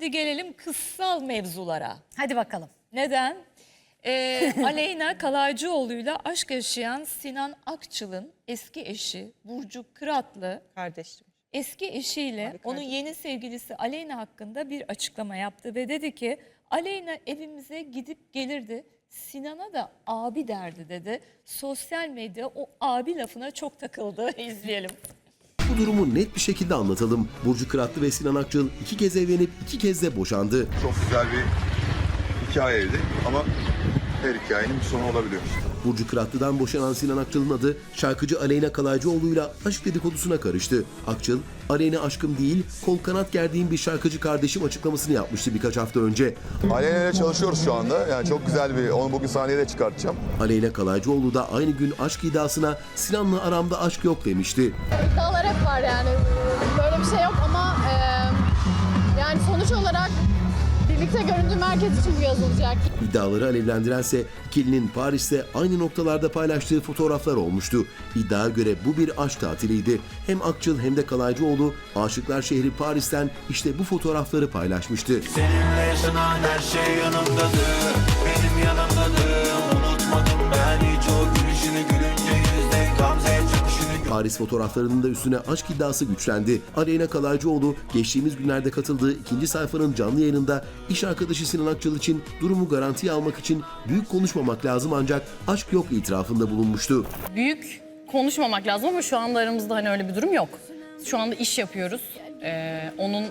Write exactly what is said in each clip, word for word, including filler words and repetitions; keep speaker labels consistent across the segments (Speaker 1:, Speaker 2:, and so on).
Speaker 1: Şimdi gelelim kızsal mevzulara.
Speaker 2: Hadi bakalım.
Speaker 1: Neden? Ee, Aleyna Kalaycıoğlu'yla aşk yaşayan Sinan Akçıl'ın eski eşi Burcu Kıratlı,
Speaker 3: Kardeşim.
Speaker 1: eski eşiyle
Speaker 3: Abi
Speaker 1: onun
Speaker 3: kardeşim.
Speaker 1: yeni sevgilisi Aleyna hakkında bir açıklama yaptı ve dedi ki Aleyna evimize gidip gelirdi, Sinan'a da abi derdi dedi. Sosyal medya o abi lafına çok takıldı. İzleyelim.
Speaker 4: Bu durumu net bir şekilde anlatalım. Burcu Kıratlı ve Sinan Akçıl iki kez evlenip iki kez de boşandı.
Speaker 5: Çok güzel bir hikayeydi ama her hikayenin bir sonu olabiliyor.
Speaker 4: Burcu Kıratlı'dan boşanan Sinan Akçıl'ın adı şarkıcı Aleyna Kalaycıoğlu'yla aşk dedikodusuna karıştı. Akçıl, Aleyna aşkım değil, kol kanat gerdiğim bir şarkıcı kardeşim açıklamasını yapmıştı birkaç hafta önce.
Speaker 5: Aleyna ile çalışıyoruz şu anda. Yani çok güzel bir, onu bugün sahneye de çıkartacağım.
Speaker 4: Aleyna Kalaycıoğlu da aynı gün aşk iddiasına Sinan'la aramda aşk yok demişti.
Speaker 6: İddialar hep var yani. Böyle bir şey yok ama e, yani sonuç olarak birlikte göründüğüm herkes için bu yazılacak.
Speaker 4: İddiaları alevlendirense ikilinin Paris'te aynı noktalarda paylaştığı fotoğraflar olmuştu. İddiaya göre bu bir aşk tatiliydi. Hem Akçıl hem de Kalaycıoğlu Aşıklar Şehri Paris'ten işte bu fotoğrafları paylaşmıştı.
Speaker 7: Seninle yaşanan her şey yanımdadır, benim yanımdadır. Unutmadım ben hiç o gülüşünü, gülünce yüzde gamze çöküşünü.
Speaker 4: Paris fotoğraflarının da üstüne aşk iddiası güçlendi. Aleyna Kalaycıoğlu geçtiğimiz günlerde katıldığı ikinci sayfanın canlı yayınında iş arkadaşı Sinan Akçıl için durumu garantiye almak için büyük konuşmamak lazım ancak aşk yok itirafında bulunmuştu.
Speaker 8: Büyük konuşmamak lazım ama şu anda aramızda hani öyle bir durum yok. Şu anda iş yapıyoruz. Ee, onun e,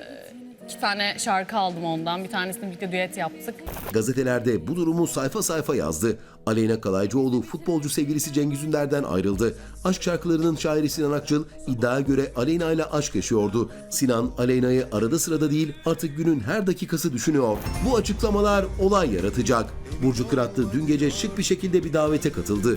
Speaker 8: iki tane şarkı aldım ondan. Bir tanesini birlikte düet yaptık.
Speaker 4: Gazetelerde bu durumu sayfa sayfa yazdı. Aleyna Kalaycıoğlu futbolcu sevgilisi Cengiz Ünder'den ayrıldı. Aşk şarkılarının şairi Sinan Akçıl iddiaya göre Aleyna ile aşk yaşıyordu. Sinan Aleyna'yı arada sırada değil artık günün her dakikası düşünüyor. Bu açıklamalar olay yaratacak. Burcu Kıratlı dün gece şık bir şekilde bir davete katıldı.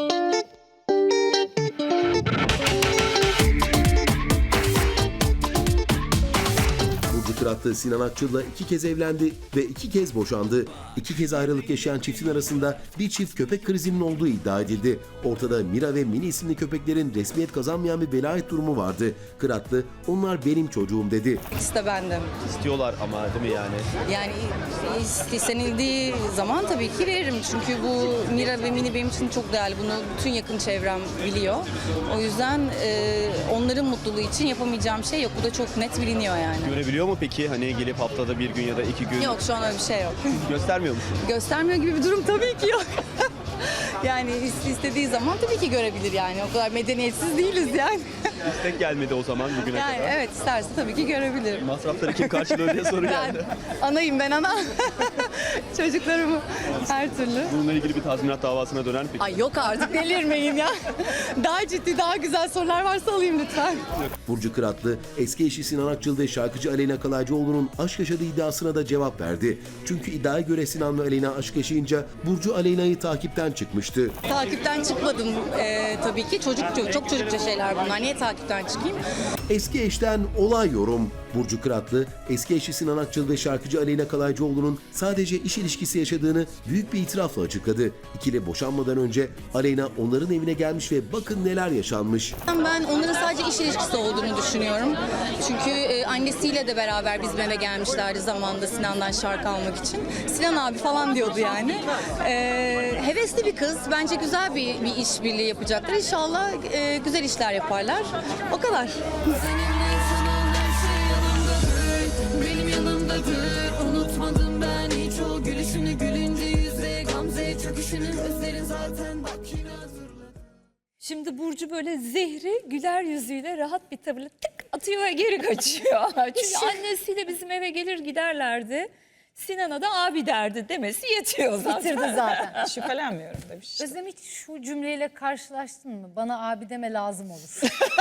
Speaker 4: Burcu Kıratlı Sinan Akçıl'la iki kez evlendi ve iki kez boşandı. İki kez ayrılık yaşayan çiftin arasında bir çift köpek krizinin olduğu iddia edildi. Ortada Mira ve Mini isimli köpeklerin resmiyet kazanmayan bir velayet durumu vardı. Kıratlı, onlar benim çocuğum dedi.
Speaker 3: İkisi de bendim.
Speaker 9: İstiyorlar ama değil mi yani?
Speaker 3: Yani istenildiği zaman tabii ki veririm. Çünkü bu Mira ve Mini benim için çok değerli. Bunu bütün yakın çevrem biliyor. O yüzden e, onların mutluluğu için yapamayacağım şey yok. Bu da çok net biliniyor yani.
Speaker 9: Görebiliyor mu peki? Hani gelip haftada bir gün ya da iki gün
Speaker 3: Yok, şu an öyle bir şey yok.
Speaker 9: göstermiyor musun?
Speaker 3: Göstermiyor gibi bir durum tabii ki yok. Yani istediği zaman tabii ki görebilir yani. O kadar medeniyetsiz değiliz yani.
Speaker 9: İstek gelmedi o zaman bugüne
Speaker 3: Yani
Speaker 9: kadar.
Speaker 3: evet, isterse tabii ki görebilir.
Speaker 9: Masrafları kim karşılıyor diye soru
Speaker 3: Ben
Speaker 9: geldi.
Speaker 3: anayım, ben ana. Çocuklarımı her türlü.
Speaker 9: Bununla ilgili bir tazminat davasına döner mi peki?
Speaker 3: Ay yok artık, delirmeyin ya. Daha ciddi, daha güzel sorular varsa alayım lütfen.
Speaker 4: Burcu Kıratlı, eski eşi Sinan Akçıl ve şarkıcı Aleyna Kalaycıoğlu'nun aşk yaşadığı iddiasına da cevap verdi. Çünkü iddiaya göre Sinan ve Aleyna aşk yaşayınca Burcu Aleyna'yı takipten çıkmıştı.
Speaker 3: Takipten çıkmadım ee, tabii ki. Çocuk, çok çocukça şeyler bunlar. Niye takipten çıkayım?
Speaker 4: Eski eşten olay yorum. Burcu Kıratlı, eski eşi Sinan Akçıl ve şarkıcı Aleyna Kalaycıoğlu'nun sadece iş ilişkisi yaşadığını büyük bir itirafla açıkladı. İkili boşanmadan önce Aleyna onların evine gelmiş ve bakın neler yaşanmış.
Speaker 3: Ben onların sadece iş ilişkisi olduğunu düşünüyorum. Çünkü e, annesiyle de beraber bizim eve gelmişlerdi zamanında Sinan'dan şarkı almak için. Sinan abi falan diyordu yani. E, hevesli bir kız. Bence güzel bir, bir işbirliği yapacaklar. İnşallah e, güzel işler yaparlar. O kadar.
Speaker 10: Benim yanımdadır, unutmadım ben hiç o gülüşünü, gülünce yüzde gamze çöküşünü, özlerin zaten bak yine hazırladım.
Speaker 1: Şimdi Burcu böyle zehri güler yüzüyle rahat bir tavırla tık atıyor ve geri kaçıyor. Çünkü annesiyle bizim eve gelir giderlerdi. Sinan'a da abi derdi demesi yetiyor zaten.
Speaker 2: Bitirdi zaten.
Speaker 3: Şüphelenmiyorum demiş.
Speaker 2: Özlem, hiç şu cümleyle karşılaştın mı? Bana abi deme lazım olur.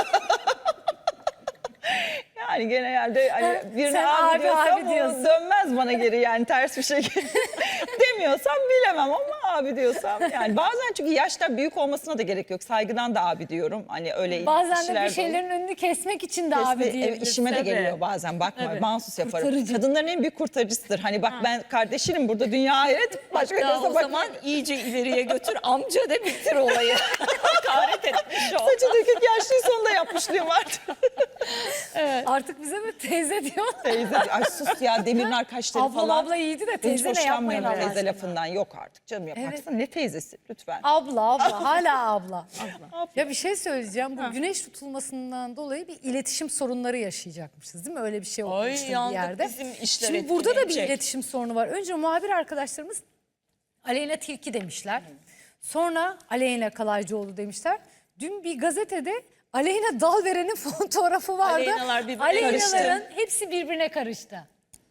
Speaker 11: Yani genelde hani birine
Speaker 2: Sen
Speaker 11: abi,
Speaker 2: abi,
Speaker 11: diyorsam
Speaker 2: abi
Speaker 11: o
Speaker 2: diyorsun.
Speaker 11: dönmez bana geri yani ters bir şekilde. Demiyorsam bilemem ama abi diyorsam yani bazen çünkü yaşta büyük olmasına da gerek yok. Saygıdan da abi diyorum. Hani öyle
Speaker 2: Bazen de
Speaker 11: kişiler
Speaker 2: bir
Speaker 11: olur.
Speaker 2: şeylerin önünü kesmek için de
Speaker 11: Kesme-
Speaker 2: abi
Speaker 11: evet,
Speaker 2: diyebilirsin.
Speaker 11: işime de
Speaker 1: Tabii.
Speaker 11: geliyor bazen bakma
Speaker 1: Tabii.
Speaker 11: mahsus yaparım.
Speaker 2: Kurtarıcı.
Speaker 11: Kadınların en büyük kurtarıcısıdır. Hani bak ben kardeşinim burada dünya ahiret başka
Speaker 1: Hatta
Speaker 11: gözle
Speaker 1: o
Speaker 11: bak.
Speaker 1: zaman iyice ileriye götür amca da bitir olayı. Hakaret etmiş o.
Speaker 11: Saçı dökük yaşlıyı sonunda yapmışlığım vardı.
Speaker 2: Artık Artık bize böyle teyze diyor.
Speaker 11: Teyze, ay sus ya, Demirnar kaşları
Speaker 2: Ablam
Speaker 11: falan.
Speaker 2: abla iyiydi de
Speaker 11: Hiç
Speaker 2: teyze ne yapmayın
Speaker 11: hoşlanmıyorum
Speaker 2: Allah
Speaker 11: teyze
Speaker 2: aşkına.
Speaker 11: lafından. Yok artık canım, yaparsın. Ne teyzesi lütfen.
Speaker 2: Abla abla hala abla. abla. Ya bir şey söyleyeceğim. Bu güneş tutulmasından dolayı bir iletişim sorunları yaşayacakmışız değil mi? Öyle bir şey olmuştu bir
Speaker 1: yandık,
Speaker 2: yerde.
Speaker 1: bizim işler
Speaker 2: Şimdi burada da bir
Speaker 1: etkilenecek.
Speaker 2: iletişim sorunu var. Önce muhabir arkadaşlarımız Aleyna Tilki demişler. Sonra Aleyna Kalaycıoğlu demişler. Dün bir gazetede Aleyna Dalveren'in fotoğrafı vardı.
Speaker 1: Aleynalar birbirine
Speaker 2: Aleynaların hepsi birbirine karıştı.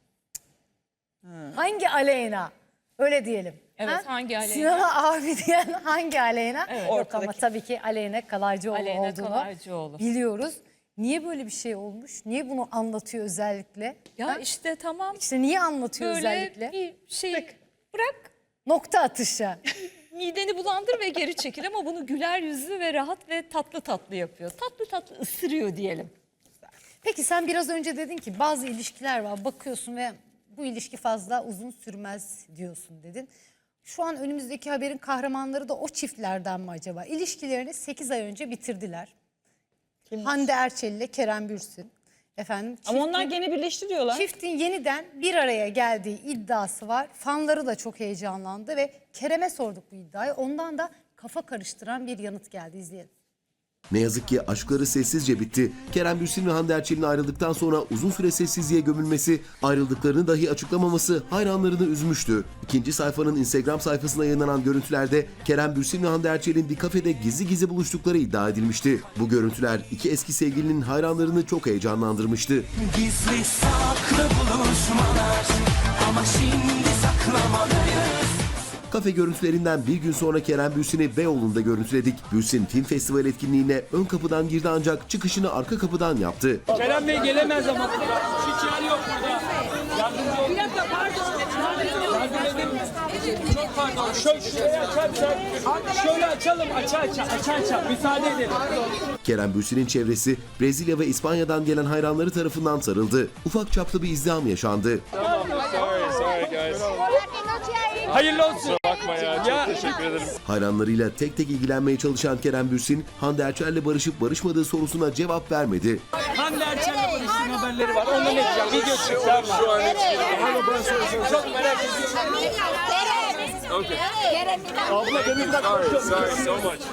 Speaker 2: Hangi Aleyna? Öyle diyelim.
Speaker 1: Evet, hangi Aleyna?
Speaker 2: Sinan'a abi diyen hangi Aleyna?
Speaker 1: Evet.
Speaker 2: Yok ama
Speaker 11: Ortadaki.
Speaker 2: tabii ki Aleyna Kalaycıoğlu
Speaker 1: Aleyna
Speaker 2: olduğunu
Speaker 1: Kalaycıoğlu.
Speaker 2: biliyoruz. Niye böyle bir şey olmuş? Niye bunu anlatıyor özellikle?
Speaker 1: Ya
Speaker 2: Ha?
Speaker 1: işte tamam.
Speaker 2: İşte niye anlatıyor
Speaker 1: Böyle
Speaker 2: özellikle?
Speaker 1: bir şey bırak.
Speaker 2: Nokta atışı.
Speaker 1: Mideni bulandır ve geri çekil ama bunu güler yüzlü ve rahat ve tatlı tatlı yapıyor. Tatlı tatlı ısırıyor diyelim.
Speaker 2: Peki sen biraz önce dedin ki bazı ilişkiler var, bakıyorsun ve bu ilişki fazla uzun sürmez diyorsun dedin. Şu an önümüzdeki haberin kahramanları da o çiftlerden mi acaba? İlişkilerini sekiz ay önce bitirdiler. Hande Erçel ile Kerem Bürsin. Efendim,
Speaker 11: Ama
Speaker 2: çiftin-
Speaker 11: onlar gene birleşti diyorlar.
Speaker 2: Çiftin yeniden bir araya geldiği iddiası var. Fanları da çok heyecanlandı ve Kerem'e sorduk bu iddiayı. Ondan da kafa karıştıran bir yanıt geldi. İzleyelim.
Speaker 4: Ne yazık ki aşkları sessizce bitti. Kerem Bürsin ve Hande Erçel'in ayrıldıktan sonra uzun süre sessizliğe gömülmesi, ayrıldıklarını dahi açıklamaması hayranlarını üzmüştü. İkinci sayfanın Instagram sayfasına yayınlanan görüntülerde Kerem Bürsin ve Hande Erçel'in bir kafede gizli gizli buluştukları iddia edilmişti. Bu görüntüler iki eski sevgilinin hayranlarını çok heyecanlandırmıştı.
Speaker 7: Gizli saklı buluşmalar ama şimdi saklamalıyız.
Speaker 4: Kafe görüntülerinden bir gün sonra Kerem Bürsin'i Beyoğlu'nda görüntüledik. Bürsin film festival etkinliğine ön kapıdan girdi ancak çıkışını arka kapıdan yaptı.
Speaker 12: Kerem Bey gelemez ama. Hiç yer yok burada. Yardımcı olun. Bir dakika pardon. Yardım edin. Çok pardon. Şöyle şuraya açarsak. Şöyle açalım. Aça aça. Aça aça. Müsaade edelim.
Speaker 4: Kerem Bürsin'in çevresi Brezilya ve İspanya'dan gelen hayranları tarafından sarıldı. Ufak çaplı bir izdiham yaşandı.
Speaker 9: Sorry, sorry guys.
Speaker 12: Hayırlı olsun.
Speaker 9: Bakma ya, çok teşekkür ederim.
Speaker 4: Hayranlarıyla tek tek ilgilenmeye çalışan Kerem Bürsin, Hande Erçel'le barışıp barışmadığı sorusuna cevap vermedi.
Speaker 12: Hande Erçel'le barıştığın haberleri var. Ondan edeceğim. Video çıkacağım. Şu an çok merak ediyorum.
Speaker 9: Okay. Abla beni bırak. Sorry, sorry so much.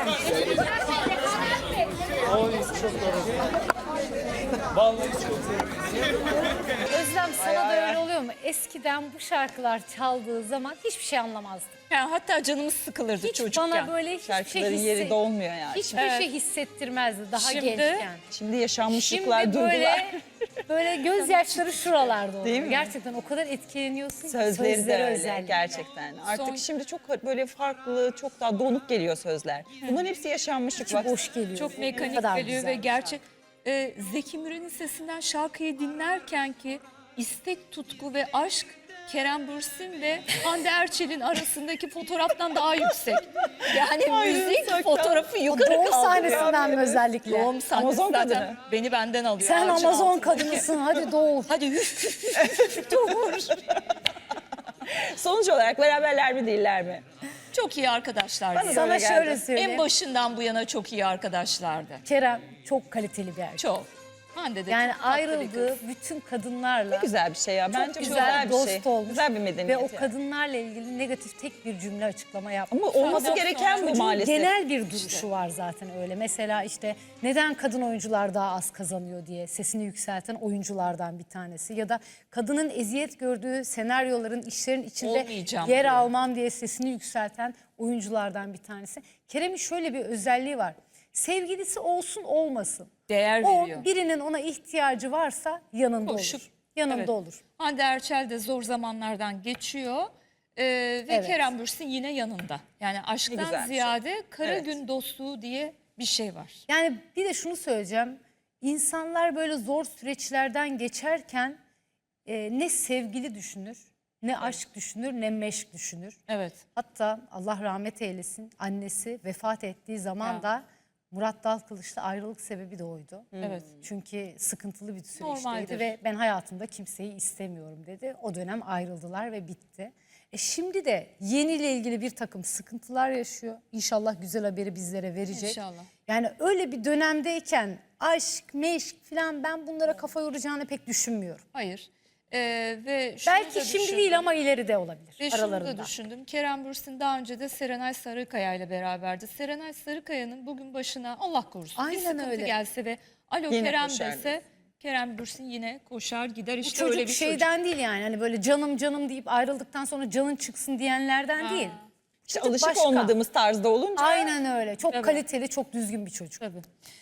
Speaker 12: Vallahi çok sevindim.
Speaker 2: Özlem, sana da öyle oluyor mu? Eskiden bu şarkılar çaldığı zaman hiçbir şey anlamazdım.
Speaker 1: Yani hatta canımız sıkılırdı
Speaker 2: Hiç
Speaker 1: çocukken.
Speaker 2: bana böyle hiçbir şey
Speaker 11: Şarkıların
Speaker 2: hisse-
Speaker 11: yeri dolmuyor yani.
Speaker 2: hiçbir
Speaker 1: Evet.
Speaker 2: şey hissettirmezdi daha
Speaker 1: Şimdi-
Speaker 2: gençken.
Speaker 11: Şimdi yaşanmışlıklar,
Speaker 2: Şimdi
Speaker 11: duygular.
Speaker 2: böyle böyle gözyaşları şuralarda oluyor.
Speaker 11: Değil mi?
Speaker 2: Gerçekten o kadar etkileniyorsun ki
Speaker 11: Sözleri de
Speaker 2: sözleri
Speaker 11: öyle
Speaker 2: özellikle.
Speaker 11: gerçekten. Artık
Speaker 1: Son-
Speaker 11: şimdi çok böyle farklı, çok daha donuk geliyor sözler. Bunların hepsi yaşanmışlık.
Speaker 2: İçi
Speaker 11: bak.
Speaker 2: boş geliyor.
Speaker 1: Çok
Speaker 2: Ne
Speaker 1: mekanik
Speaker 2: kadar
Speaker 1: geliyor
Speaker 2: güzel
Speaker 1: ve
Speaker 2: bir
Speaker 1: gerçek. Ee, Zeki Müren'in sesinden şarkıyı dinlerken ki istek, tutku ve aşk Kerem Bürsin ve Hande Erçel'in arasındaki fotoğraftan daha yüksek. Yani müzik fotoğrafı
Speaker 2: O
Speaker 1: yukarı
Speaker 2: doğum
Speaker 1: kaldırıyor.
Speaker 2: sahnesinden mi özellikle?
Speaker 1: Doğum sahnesi
Speaker 11: Amazon
Speaker 1: zaten
Speaker 11: kadını.
Speaker 1: beni benden alıyor.
Speaker 2: Sen
Speaker 1: ağacın
Speaker 2: Amazon
Speaker 1: altındaki.
Speaker 2: kadınısın, hadi doğur.
Speaker 1: Hadi doğur.
Speaker 11: Sonuç olarak beraberler mi değiller mi?
Speaker 1: Çok iyi arkadaşlar.
Speaker 11: Bana da
Speaker 2: Sana
Speaker 11: öyle geldi.
Speaker 2: şöyle söyleyeyim.
Speaker 1: En başından bu yana çok iyi arkadaşlardı.
Speaker 2: Kerem çok kaliteli bir erkek.
Speaker 1: Çok. Hande de
Speaker 2: Yani
Speaker 1: çok tatlı bir
Speaker 2: ayrıldığı
Speaker 1: kız.
Speaker 2: bütün kadınlarla
Speaker 11: Güzel bir şey ya. Bence
Speaker 2: çok
Speaker 11: bu
Speaker 2: güzel,
Speaker 11: bir
Speaker 2: dost
Speaker 11: şey.
Speaker 2: olmuş.
Speaker 11: Güzel bir medeniyet.
Speaker 2: Ve o
Speaker 11: yani.
Speaker 2: kadınlarla ilgili negatif tek bir cümle açıklama yapmış.
Speaker 11: Ama olması gereken bu
Speaker 2: Çocuğun
Speaker 11: maalesef.
Speaker 2: genel bir duruşu var zaten öyle. Mesela işte neden kadın oyuncular daha az kazanıyor diye sesini yükselten oyunculardan bir tanesi. Ya da kadının eziyet gördüğü senaryoların, işlerin içinde
Speaker 1: Olmayacağım
Speaker 2: yer
Speaker 1: diyor.
Speaker 2: almam diye sesini yükselten oyunculardan bir tanesi. Kerem'in şöyle bir özelliği var. Sevgilisi olsun olmasın.
Speaker 1: Değer
Speaker 2: O
Speaker 1: veriyor.
Speaker 2: birinin ona ihtiyacı varsa yanında
Speaker 1: Koşup,
Speaker 2: olur. Yanında
Speaker 1: evet.
Speaker 2: olur.
Speaker 1: Hande Erçel de zor zamanlardan geçiyor. Ee, ve
Speaker 2: Evet.
Speaker 1: Kerem Bürsin yine yanında. Yani aşktan
Speaker 11: güzel bir şey.
Speaker 1: ziyade kara
Speaker 11: Evet.
Speaker 1: gün dostluğu diye bir şey var.
Speaker 2: Yani bir de şunu söyleyeceğim. İnsanlar böyle zor süreçlerden geçerken e, ne sevgili düşünür, ne aşk düşünür, ne meşk düşünür.
Speaker 1: Evet.
Speaker 2: Hatta Allah rahmet eylesin, annesi vefat ettiği zaman
Speaker 1: Ya.
Speaker 2: da Murat Dalkılıç'la ayrılık sebebi de oydu.
Speaker 1: Evet.
Speaker 2: Çünkü sıkıntılı bir süreçteydi
Speaker 1: Normaldir.
Speaker 2: ve ben hayatımda kimseyi istemiyorum dedi. O dönem ayrıldılar ve bitti. E şimdi de yeniyle ilgili bir takım sıkıntılar yaşıyor. İnşallah güzel haberi bizlere verecek.
Speaker 1: İnşallah.
Speaker 2: Yani öyle bir dönemdeyken aşk, meşk falan ben bunlara kafa yoracağını pek düşünmüyorum.
Speaker 1: Hayır. Ee, ve şunu
Speaker 2: Belki
Speaker 1: da
Speaker 2: şimdi
Speaker 1: düşündüm.
Speaker 2: değil ama ileride olabilir
Speaker 1: Ve şunu
Speaker 2: aralarında.
Speaker 1: da düşündüm. Kerem Bürsin daha önce de Serenay Sarıkaya ile beraberdi. Serenay Sarıkaya'nın bugün başına Allah korusun bir
Speaker 2: Aynen
Speaker 1: sıkıntı
Speaker 2: öyle.
Speaker 1: gelse ve alo
Speaker 11: Yine
Speaker 1: Kerem
Speaker 11: koşar
Speaker 1: dese Kerem Bürsin yine koşar gider.
Speaker 2: Bu
Speaker 1: İşte
Speaker 2: çocuk
Speaker 1: öyle bir
Speaker 2: şeyden değil yani hani böyle canım canım deyip ayrıldıktan sonra canın çıksın diyenlerden değil.
Speaker 11: İşte
Speaker 2: Çocuk
Speaker 11: alışık
Speaker 2: başka.
Speaker 11: olmadığımız tarzda olunca
Speaker 2: Aynen öyle. Çok
Speaker 1: Tabii.
Speaker 2: kaliteli, çok düzgün bir çocuk.
Speaker 1: Tabii.